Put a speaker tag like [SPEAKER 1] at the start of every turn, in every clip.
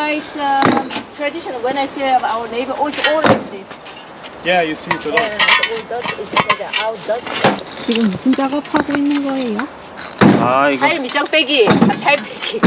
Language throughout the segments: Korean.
[SPEAKER 1] quite traditional. When I see our neighbor, always like this.
[SPEAKER 2] Yeah, you see it a lot.
[SPEAKER 1] And all that is like our dust.
[SPEAKER 3] 지금 무슨 작업하고 있는 거예요?
[SPEAKER 2] 아, 이거
[SPEAKER 1] 타일 밑장 빼기, 타일 빼기.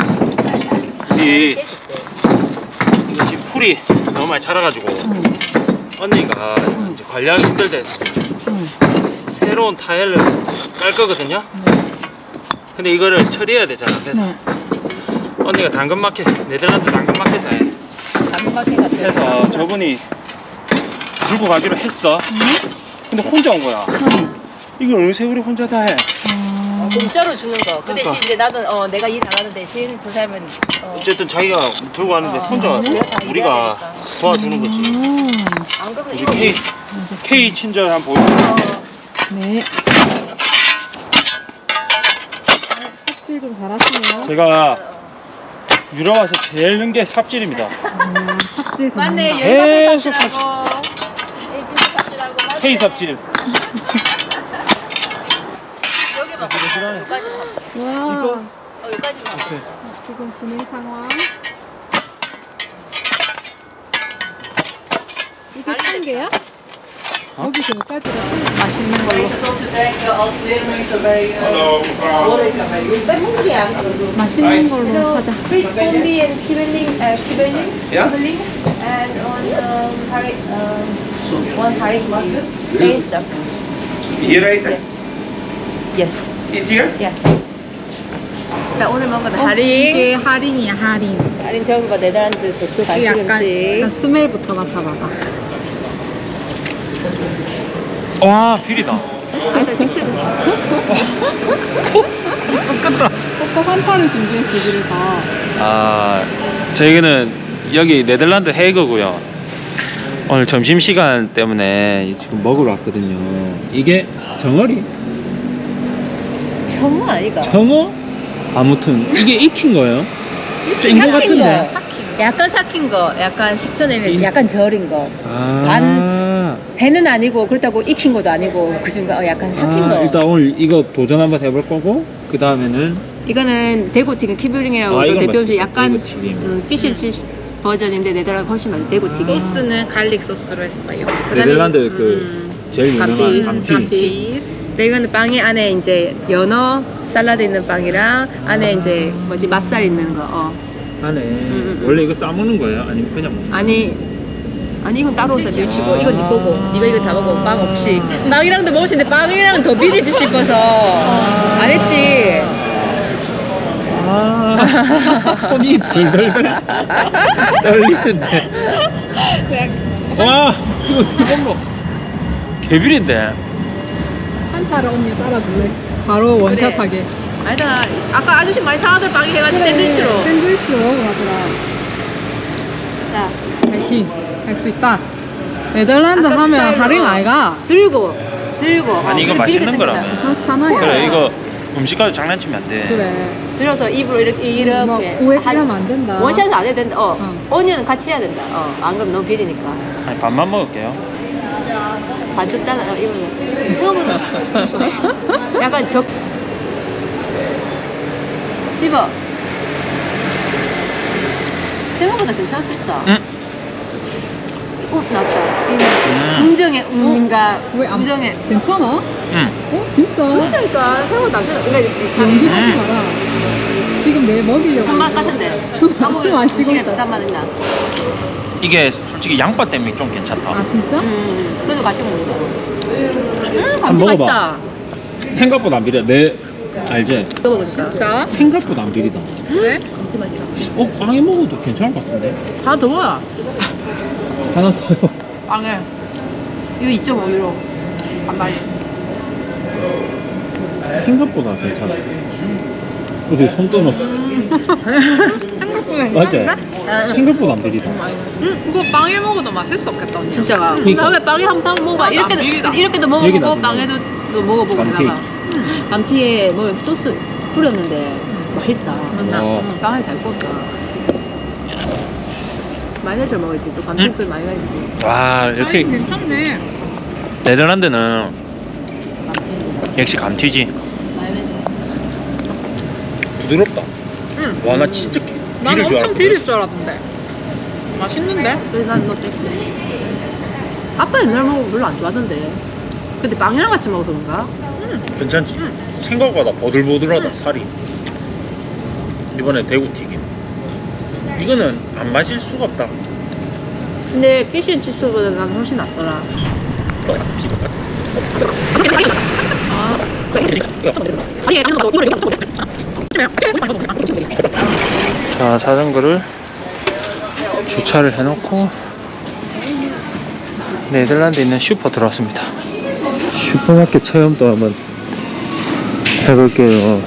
[SPEAKER 2] 이거 지금 풀이 너무 많이 자라가지고 언니가 이제 관리하기 힘들대 새로운 타일을 깔 거거든요. 근데 이거를 처리해야 되잖아. 그래서 언니가 당근마켓, 네덜란드 당근마켓에
[SPEAKER 1] 당근마켓 같은.
[SPEAKER 2] 해서 저분이 들고 가기로 했어. 근데 혼자 온 거야. 이거 어느 세월에 혼자 다 해.
[SPEAKER 1] 공짜로 주는 거. 그 대신
[SPEAKER 2] 그러니까.
[SPEAKER 1] 이제 나는 내가 일 나가는 대신 저 사람은
[SPEAKER 2] 어쨌든 자기가 들고 왔는데 혼자 우리가 도와주는 거지.
[SPEAKER 1] 안 그러면
[SPEAKER 2] 우리
[SPEAKER 1] 이거
[SPEAKER 2] K 친절 한번 보여줄게.
[SPEAKER 3] 네. 삽질 좀 잘하시네요.
[SPEAKER 2] 제가 유럽 와서 제일 는 게 삽질입니다.
[SPEAKER 3] 삽질 전문가.
[SPEAKER 1] 맞네.
[SPEAKER 2] 계속
[SPEAKER 1] 여기서 삽질하고 에이지도 삽질하고 맞네.
[SPEAKER 2] K 삽질.
[SPEAKER 1] 여기 봐. 여기까지만 하면
[SPEAKER 3] 와.
[SPEAKER 1] 여기까지만 하면 돼.
[SPEAKER 3] 지금 진행 상황. 이게 한 개야? 여기서 여기까지가 참 맛있는 걸로. 맛있는 걸로 사자.
[SPEAKER 1] Fritz Kombi and Kibbeling, and on one Harik market. A stuff.
[SPEAKER 4] Here right?
[SPEAKER 1] Yes.
[SPEAKER 4] It's here?
[SPEAKER 1] Yeah. 자, 오늘 먹은 거
[SPEAKER 3] 이게 할인이야, 할인.
[SPEAKER 1] 할인 적은 거 네덜란드 대표
[SPEAKER 3] 이게
[SPEAKER 1] 간식
[SPEAKER 3] 약간
[SPEAKER 1] 음식.
[SPEAKER 3] 스멜부터 맡아봐봐.
[SPEAKER 2] 와, 비리다.
[SPEAKER 1] 아니다, 직접.
[SPEAKER 3] 꼭 환타를 준비했어, 그래서.
[SPEAKER 2] 아, 저희는 여기 네덜란드 헤이그고요. 오늘 점심시간 때문에 지금 먹으러 왔거든요. 이게 정어리?
[SPEAKER 1] 정말 아이가.
[SPEAKER 2] 정어? 아무튼 이게 익힌 거예요? 센 거
[SPEAKER 1] 삭힌
[SPEAKER 2] 같은데?
[SPEAKER 1] 거. 약간 삭힌 거, 약간 식초내는 약간 절인 거.
[SPEAKER 2] 아,
[SPEAKER 1] 배는 아니고 그렇다고 익힌 것도 아니고 그 중간 약간 삭힌 거.
[SPEAKER 2] 일단 오늘 이거 도전 한번 해볼 거고 그 다음에는
[SPEAKER 1] 이거는 대구튀김 키블링이라고
[SPEAKER 2] 아,
[SPEAKER 1] 또
[SPEAKER 2] 이건
[SPEAKER 1] 대표 음식
[SPEAKER 2] 맛있겠다.
[SPEAKER 1] 약간
[SPEAKER 2] 대구튀김.
[SPEAKER 1] 피쉬 버전인데 네덜란드 훨씬 많이 대구튀김.
[SPEAKER 3] 소스는 갈릭 소스로 했어요.
[SPEAKER 2] 네덜란드 그 제일 유명한 감튀.
[SPEAKER 1] 근데 이거는 빵이 안에 이제 연어 샐러드 있는 빵이랑 안에 이제 뭐지 맛살 있는 거.
[SPEAKER 2] 안에 원래 이거 싸먹는 거예요? 아니면 그냥 먹는
[SPEAKER 1] 아니 이건 따로 샌드위치고 이건 네 거고 네가 이거 다 먹어 빵 없이 빵이랑도 먹을 수 있는데 빵이랑은 더 비리지 싶어서 안 했지.
[SPEAKER 2] 아, 손이 덜덜덜 떨리는데. 와, 이거 어떻게 먹노? 개비린데.
[SPEAKER 3] 환타를 언니 따라줄래? 바로 원샷하게.
[SPEAKER 1] 아니다 아까 아저씨 많이 사가던 빵이 해가지고 샌드위치로.
[SPEAKER 3] 샌드위치로 먹으라더라.
[SPEAKER 1] 자
[SPEAKER 3] 파이팅! 할 수 있다. 네덜란드
[SPEAKER 1] 아까
[SPEAKER 3] 하면
[SPEAKER 1] 스타일로.
[SPEAKER 3] 할인 아이가?
[SPEAKER 1] 들고
[SPEAKER 2] 아니, 이거
[SPEAKER 1] 근데
[SPEAKER 2] 맛있는
[SPEAKER 1] 비리게
[SPEAKER 2] 거라.
[SPEAKER 1] 생긴다.
[SPEAKER 3] 부산 사나이야.
[SPEAKER 2] 그래, 이거 음식까지 장난치면 안 돼.
[SPEAKER 3] 그래.
[SPEAKER 1] 들어서 입으로 이렇게
[SPEAKER 3] 오해 필요하면 안 된다.
[SPEAKER 1] 원샷은 안 해야 된다.
[SPEAKER 3] 어.
[SPEAKER 1] 오니언은 같이 해야 된다. 안 그러면 너무 비리니까.
[SPEAKER 2] 아니, 반만 먹을게요.
[SPEAKER 1] 반쪽 잘라. 이거는 약간 씹어. 생각보다 괜찮을 수 있다.
[SPEAKER 2] 응?
[SPEAKER 1] 나왔다. 긍정의 운인가
[SPEAKER 3] 왜안
[SPEAKER 1] 긍정의.
[SPEAKER 3] 괜찮아?
[SPEAKER 2] 응.
[SPEAKER 3] 진짜?
[SPEAKER 1] 그러니까 생각보다 안 좋아. 그러니까
[SPEAKER 3] 연기하지 마라. 지금 내 먹이려고.
[SPEAKER 1] 무슨 맛 같은데?
[SPEAKER 3] 숨 안 쉬고 있다.
[SPEAKER 1] 비슷한 맛 있나?
[SPEAKER 2] 이게 솔직히 양파 때문에 좀 괜찮다.
[SPEAKER 3] 아 진짜?
[SPEAKER 1] 그래도 같이 먹는 거.
[SPEAKER 2] 한번 먹어봐.
[SPEAKER 1] 맛있다.
[SPEAKER 2] 생각보다 안 비려. 내 알지?
[SPEAKER 1] 또 먹으니까.
[SPEAKER 3] 자,
[SPEAKER 2] 생각보다 안 비리다.
[SPEAKER 3] 네?
[SPEAKER 1] 감지 맛있다.
[SPEAKER 2] 빵에 먹어도 괜찮을 것 같은데.
[SPEAKER 1] 하나 더 먹어야.
[SPEAKER 2] 하나 더요.
[SPEAKER 1] 빵에. 이거 2.5유로. 반발이.
[SPEAKER 2] 생각보다 괜찮아. 어디 손 떠놓.
[SPEAKER 3] 생각보다
[SPEAKER 2] 맞지?
[SPEAKER 3] 괜찮은데?
[SPEAKER 2] 생각보다 안 비리다.
[SPEAKER 3] 이거 빵에 먹어도 맛있었겠다.
[SPEAKER 1] 진짜가.
[SPEAKER 2] 그러니까.
[SPEAKER 1] 다음에 빵에 한번 먹어봐.
[SPEAKER 3] 아,
[SPEAKER 1] 이렇게도
[SPEAKER 3] 비리다.
[SPEAKER 1] 이렇게도
[SPEAKER 2] 여기다
[SPEAKER 1] 먹어보고
[SPEAKER 2] 좀
[SPEAKER 1] 빵에도 또 먹어보고
[SPEAKER 2] 감튀.
[SPEAKER 1] 해봐. 감튀에 뭐 소스 뿌렸는데 맛있다.
[SPEAKER 2] 어.
[SPEAKER 1] 빵을 잘 구웠다. 마요네즈 먹어야지. 또 감튀 마요네즈.
[SPEAKER 2] 와, 역시
[SPEAKER 3] 괜찮네.
[SPEAKER 2] 네덜란드는
[SPEAKER 1] 감튀.
[SPEAKER 2] 역시 감튀지.
[SPEAKER 1] 마요네즈.
[SPEAKER 2] 부드럽다.
[SPEAKER 3] 응.
[SPEAKER 2] 와, 나 진짜
[SPEAKER 3] 난
[SPEAKER 2] 비릴 줄
[SPEAKER 3] 엄청
[SPEAKER 2] 알았거든.
[SPEAKER 3] 비릴 줄 알았는데. 맛있는데?
[SPEAKER 1] 그래서 난 이거 뺐대. 아빠 옛날 먹으면 별로 안 좋아하던데. 근데 빵이랑 같이 먹어서 그런가?
[SPEAKER 2] 괜찮지? 생각보다 보들보들하다 살이. 이번에 대구튀김. 이거는 안 마실 수가 없다.
[SPEAKER 1] 근데 피쉬앤칩스보다 난 훨씬 낫더라.
[SPEAKER 2] 자, 자전거를 주차를 해놓고 네덜란드에 있는 슈퍼 들어왔습니다. 슈퍼마켓 체험도 한번 해볼게요.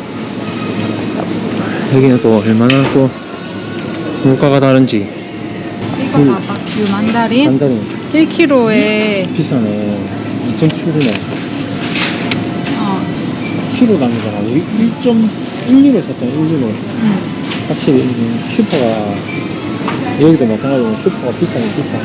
[SPEAKER 2] 여기는 또 얼마나 또 물가가 다른지.
[SPEAKER 3] 이거 봐봐. 귤 만다린
[SPEAKER 2] 단단히
[SPEAKER 3] 1kg에
[SPEAKER 2] 비싸네. 2.7이네.
[SPEAKER 3] 어.
[SPEAKER 2] 키로 당기잖아. 1.12를 샀잖아. 1.15. 확실히 슈퍼가 여기도 마찬가지로 슈퍼가 비싸네. 비싸.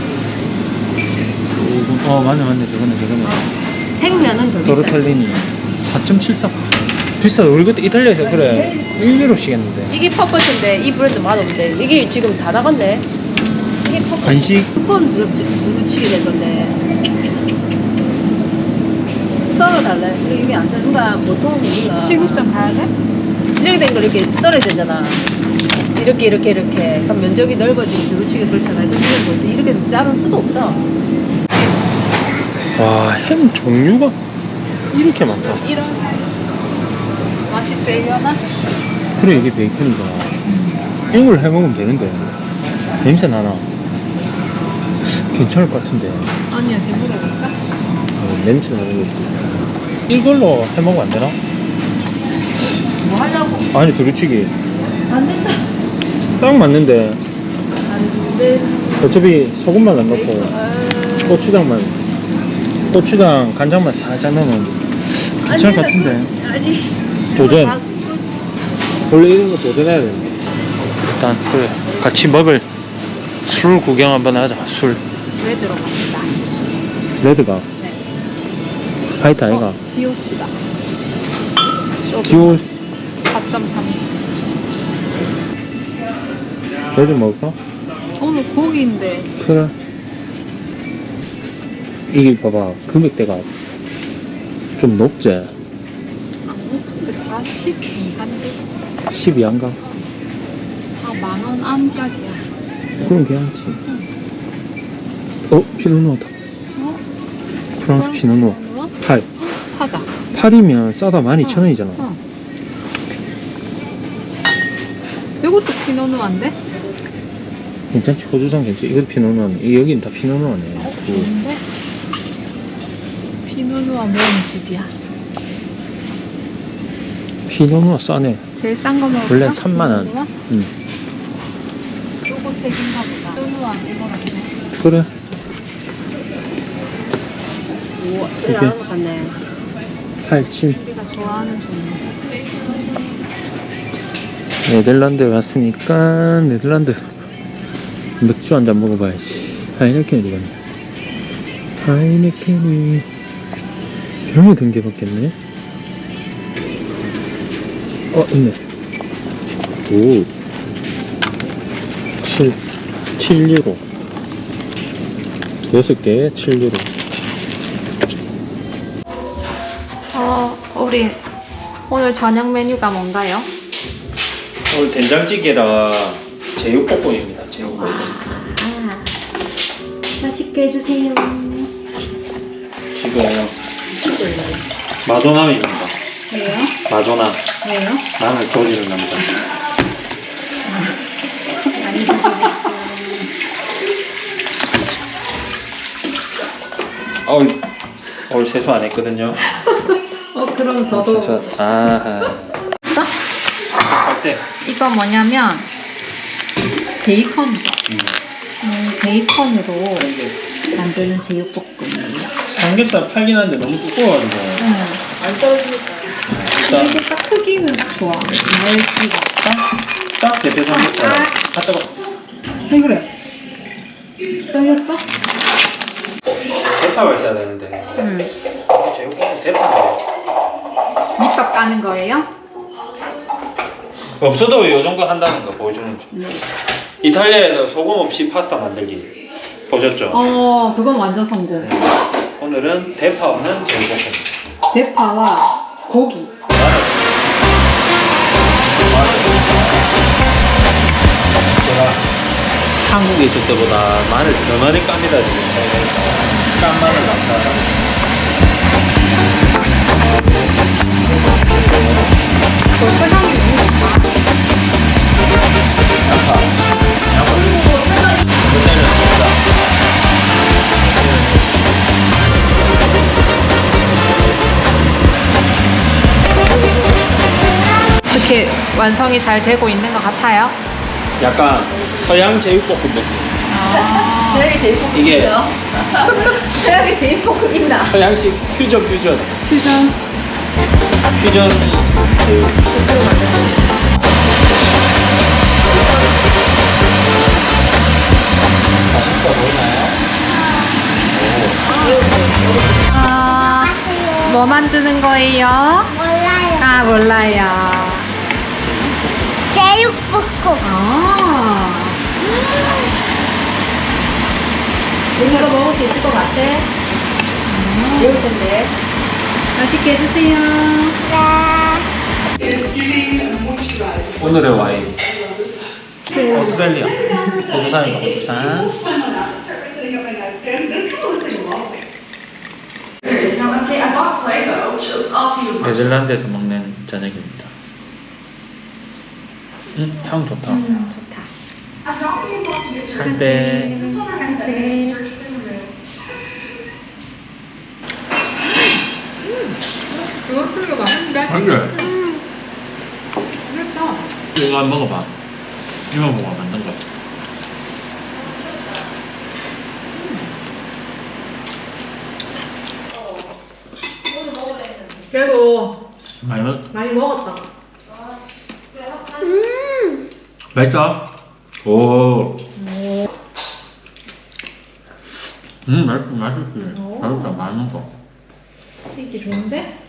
[SPEAKER 2] 맞네 저거네.
[SPEAKER 1] 생면은 더 비싸.
[SPEAKER 2] 도르텔리니 4.74. 비싸. 우리 그때 이탈리아에서 그래 1유로씩 했는데.
[SPEAKER 1] 이게 퍼펫인데 이 브랜드 맛없는데 이게 지금 다 나갔네. 이게 퍼펫.
[SPEAKER 2] 간식.
[SPEAKER 1] 두꺼운 두루치기 될 건데. 썰어달래. 이거 이미 안 썰. 누가 보통 우리가
[SPEAKER 3] 시국점 가야 돼?
[SPEAKER 1] 이렇게 된 걸 이렇게 썰어야 되잖아. 이렇게. 그럼 면적이 넓어지고 두루치기 그렇잖아. 근데 이건 뭐지? 이렇게 자를 수도 없다.
[SPEAKER 2] 와, 햄 종류가 이렇게 많다.
[SPEAKER 3] 이런 맛이 세려나?
[SPEAKER 2] 그래 이게 베이컨이잖아. 이걸 해먹으면 되는데 냄새 나나? 괜찮을 것 같은데.
[SPEAKER 3] 언니한테 물어볼까?
[SPEAKER 2] 냄새 나는 거 있어. 이걸로 해먹으면 안 되나?
[SPEAKER 1] 뭐 하려고?
[SPEAKER 2] 아니 두루치기
[SPEAKER 1] 안 된다.
[SPEAKER 2] 딱 맞는데
[SPEAKER 1] 안 돼.
[SPEAKER 2] 어차피 소금만 안 넣고 고추장 간장만 살짝 넣으면 괜찮을 것 같은데.
[SPEAKER 1] 아니.
[SPEAKER 2] 도전. 원래 이런 거 도전해야 돼. 일단 그래 같이 먹을 술 구경 한번 하자. 술
[SPEAKER 3] 왜 들어갑니다.
[SPEAKER 2] 레드가 화이트 아이가
[SPEAKER 3] 디오스다.
[SPEAKER 2] 디오
[SPEAKER 3] 4.3.
[SPEAKER 2] 레드 먹을까?
[SPEAKER 3] 오늘 고기인데
[SPEAKER 2] 그래. 이게 봐봐 금액대가 좀 높지?
[SPEAKER 3] 안 높은데 다 12한데
[SPEAKER 2] 12안가?
[SPEAKER 3] 다 만원 안짝이야.
[SPEAKER 2] 그럼 괜찮지. 피노누아다.
[SPEAKER 3] 어?
[SPEAKER 2] 프랑스 피노누아 8.
[SPEAKER 3] 사자.
[SPEAKER 2] 8이면 싸다 12,000원이잖아.
[SPEAKER 3] 어. 이것도 피노누아인데?
[SPEAKER 2] 괜찮지? 호주산 괜찮지? 이것도 피노누아네. 여긴 다 피노누아네.
[SPEAKER 3] 좋은데? 피노누아 모은 집이야.
[SPEAKER 2] 피노누아 싸네.
[SPEAKER 3] 제일 싼 거 먹을까?
[SPEAKER 2] 원래 3만원.
[SPEAKER 3] 피노누아?
[SPEAKER 2] 응.
[SPEAKER 3] 요거 색인가 보다. 피노누아 이거라네.
[SPEAKER 2] 그래.
[SPEAKER 1] 오, 쓰레기하는 것 같네.
[SPEAKER 2] 8, 7.
[SPEAKER 3] 우리가 좋아하는 종류.
[SPEAKER 2] 네덜란드에 왔으니까 네덜란드 맥주 한 잔 먹어봐야지. 하이네켄 이거는. 하이네켄이 별로 든 게 밖겠네. 있네. 오. 7유로. 6개에 7유로.
[SPEAKER 3] 우리 오늘 저녁 메뉴가 뭔가요?
[SPEAKER 2] 오늘 된장찌개랑 제육볶음입니다. 제육볶음.
[SPEAKER 3] 맛있게 해주세요.
[SPEAKER 2] 지금 마도남입니다.
[SPEAKER 3] 왜요?
[SPEAKER 2] 마도남.
[SPEAKER 3] 왜요?
[SPEAKER 2] 남을 조지는 남자.
[SPEAKER 3] 많이 드시겠어요.
[SPEAKER 2] 오늘 세수 안 했거든요.
[SPEAKER 3] 그럼
[SPEAKER 2] 세수. 아하.
[SPEAKER 3] 있어?
[SPEAKER 2] 할 때.
[SPEAKER 3] 이거 뭐냐면 베이컨이죠. 베이컨으로 만드는 제육볶음이에요.
[SPEAKER 2] 삼겹살 팔긴 한데 너무 두꺼워가지고.
[SPEAKER 1] 안 썰어주니까.
[SPEAKER 2] 일단
[SPEAKER 3] 이게 딱 크기는 딱 좋아. 얇기가 없다.
[SPEAKER 2] 딱 대패 삼겹살. 갖다가
[SPEAKER 3] 왜 그래? 썰렸어?
[SPEAKER 2] 대파가 있어야 되는데. 제육볶음 대파인데.
[SPEAKER 3] 밑밥 까는 거예요?
[SPEAKER 2] 없어도 이 정도 한다는 거 보여주는 거.
[SPEAKER 3] 네.
[SPEAKER 2] 이탈리아에서 소금 없이 파스타 만들기 보셨죠?
[SPEAKER 3] 그건 완전 성공.
[SPEAKER 2] 오늘은 대파 없는 제육볶음.
[SPEAKER 3] 대파와 고기.
[SPEAKER 2] 제가 한국에 있을 때보다 마늘 더 많이 깝니다 지금. 깐 마늘 감사합니다.
[SPEAKER 3] 벌써 향이 너무 좋다.
[SPEAKER 2] 양파. 그때는 진짜.
[SPEAKER 3] 어떻게 완성이 잘 되고 있는 것 같아요?
[SPEAKER 2] 약간 서양 제육볶음 느낌.
[SPEAKER 1] 서양에 제육볶음
[SPEAKER 2] 이게-
[SPEAKER 1] 있어요? 서양에 제육볶음 있나?
[SPEAKER 2] 서양식 퓨전
[SPEAKER 3] 퓨전.
[SPEAKER 2] 퓨전 제육. 맛있어 보이나요?
[SPEAKER 3] 뭐 만드는 거예요?
[SPEAKER 5] 몰라요.
[SPEAKER 3] 아, 몰라요.
[SPEAKER 5] 제육볶음.
[SPEAKER 1] 이거 먹을 수 있을 것 같아? 매울 텐데.
[SPEAKER 3] 맛있게 드세요.
[SPEAKER 2] 오늘의 와인 오스트레일리아 호주산입니다. 호주산. 네덜란드에서 먹는 저녁입니다. 향 좋다.
[SPEAKER 3] 좋다.
[SPEAKER 2] 살때
[SPEAKER 3] 이거 되게 맛있는데?
[SPEAKER 2] 그래.
[SPEAKER 3] 맛있다.
[SPEAKER 2] 이거 한번 먹어봐. 이거 먹어 만든 거.
[SPEAKER 3] 그래도
[SPEAKER 2] 많이
[SPEAKER 3] 많이 먹었다.
[SPEAKER 2] 맛있어? 오. 맛있지. 맛있다. 많은 거.
[SPEAKER 3] 이게 좋은데?